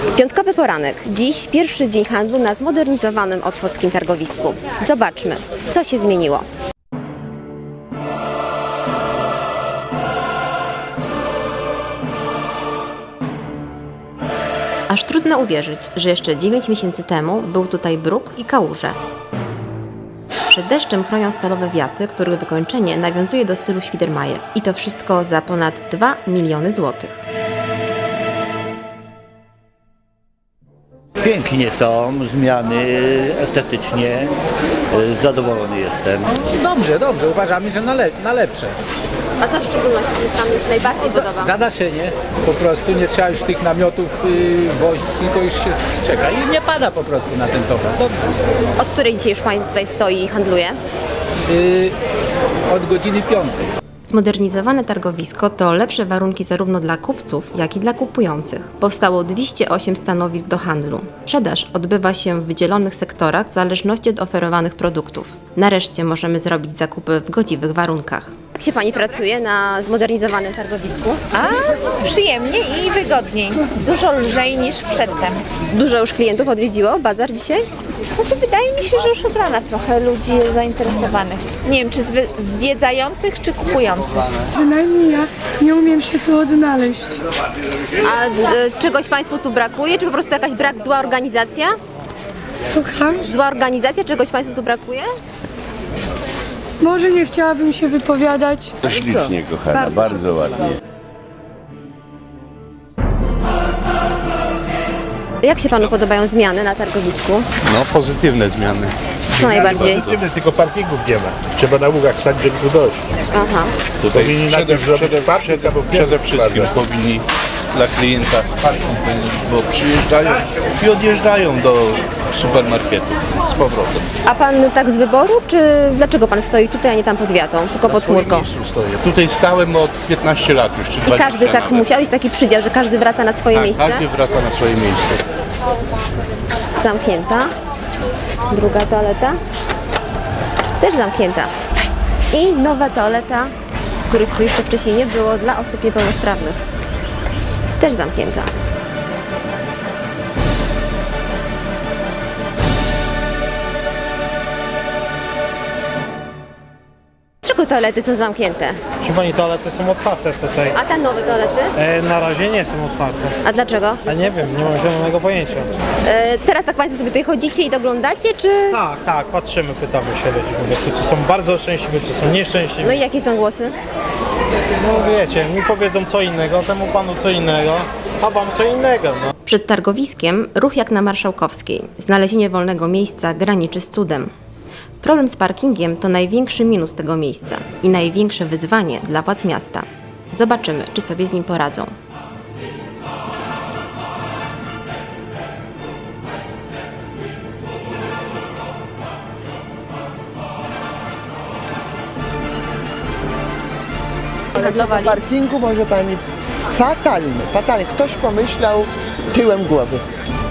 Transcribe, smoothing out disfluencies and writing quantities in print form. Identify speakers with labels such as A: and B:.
A: Piątkowy poranek. Dziś pierwszy dzień handlu na zmodernizowanym otwockim targowisku. Zobaczmy, co się zmieniło. Aż trudno uwierzyć, że jeszcze 9 miesięcy temu był tutaj bruk i kałuże. Przed deszczem chronią stalowe wiaty, których wykończenie nawiązuje do stylu Świdermajer. I to wszystko za ponad 2 miliony złotych.
B: Pięknie są zmiany estetycznie, zadowolony jestem.
C: Dobrze, uważamy, że na lepsze.
A: A co w szczególności Wam już najbardziej podoba?
C: Zadaszenie, po prostu nie trzeba już tych namiotów wozić, tylko już się czeka i nie pada po prostu na ten towar. Dobrze.
A: Od której dzisiaj już Pani tutaj stoi i handluje?
C: Od godziny 5.
A: Zmodernizowane targowisko to lepsze warunki zarówno dla kupców, jak i dla kupujących. Powstało 208 stanowisk do handlu. Sprzedaż odbywa się w wydzielonych sektorach w zależności od oferowanych produktów. Nareszcie możemy zrobić zakupy w godziwych warunkach. Jak się Pani pracuje na zmodernizowanym targowisku?
D: A przyjemnie i wygodniej. Dużo lżej niż przedtem.
A: Dużo już klientów odwiedziło bazar dzisiaj?
D: Znaczy wydaje mi się, że już od rana trochę ludzi jest zainteresowanych. Nie wiem, czy zwiedzających, czy kupujących.
E: Bynajmniej ja nie umiem się tu odnaleźć.
A: A czegoś Państwu tu brakuje? Czy po prostu jakaś zła organizacja?
E: Słucham?
A: Zła organizacja? Czegoś Państwu tu brakuje?
E: Może nie chciałabym się wypowiadać.
F: To ślicznie, kochana, bardzo ładnie.
A: Jak się Panu podobają zmiany na targowisku?
G: No, pozytywne zmiany.
A: Co najbardziej?
H: Pozytywne, tylko parkingów nie ma. Trzeba na ługach stać, żeby tu dojść.
A: Aha.
G: Tutaj
H: Powinni najpierw zrobić parking, albo
G: przede wszystkim powinni dla klienta parking, bo przyjeżdżają i odjeżdżają do supermarketu z powrotem.
A: A Pan tak z wyboru, czy dlaczego Pan stoi tutaj, a nie tam pod wiatą, tylko pod chmurką?
G: Stoję. Tutaj stałem od 15 lat już, czy 20
A: I każdy tak
G: nawet.
A: musiał? Jest taki przydział, że każdy wraca na swoje
G: Tak,
A: miejsce?
G: każdy wraca na swoje miejsce.
A: Zamknięta. Druga toaleta. Też zamknięta. I nowa toaleta, których tu jeszcze wcześniej nie było, dla osób niepełnosprawnych. Też zamknięta. Dlaczego toalety są zamknięte?
I: Proszę Pani, toalety są otwarte tutaj.
A: A te nowe toalety?
I: Na razie nie są otwarte.
A: A dlaczego?
I: A nie wiem, nie mam zielonego pojęcia.
A: Teraz tak Państwo sobie tutaj chodzicie i doglądacie, czy...
I: Tak, patrzymy, pytamy się ludzi po prostu, czy są bardzo szczęśliwi, czy są nieszczęśliwi.
A: No i jakie są głosy?
I: No wiecie, mi powiedzą co innego, temu panu co innego, a wam co innego, no.
A: Przed targowiskiem ruch jak na Marszałkowskiej. Znalezienie wolnego miejsca graniczy z cudem. Problem z parkingiem to największy minus tego miejsca i największe wyzwanie dla władz miasta. Zobaczymy, czy sobie z nim poradzą.
J: Ale co do parkingu, może pani, fatalny. Ktoś pomyślał tyłem głowy.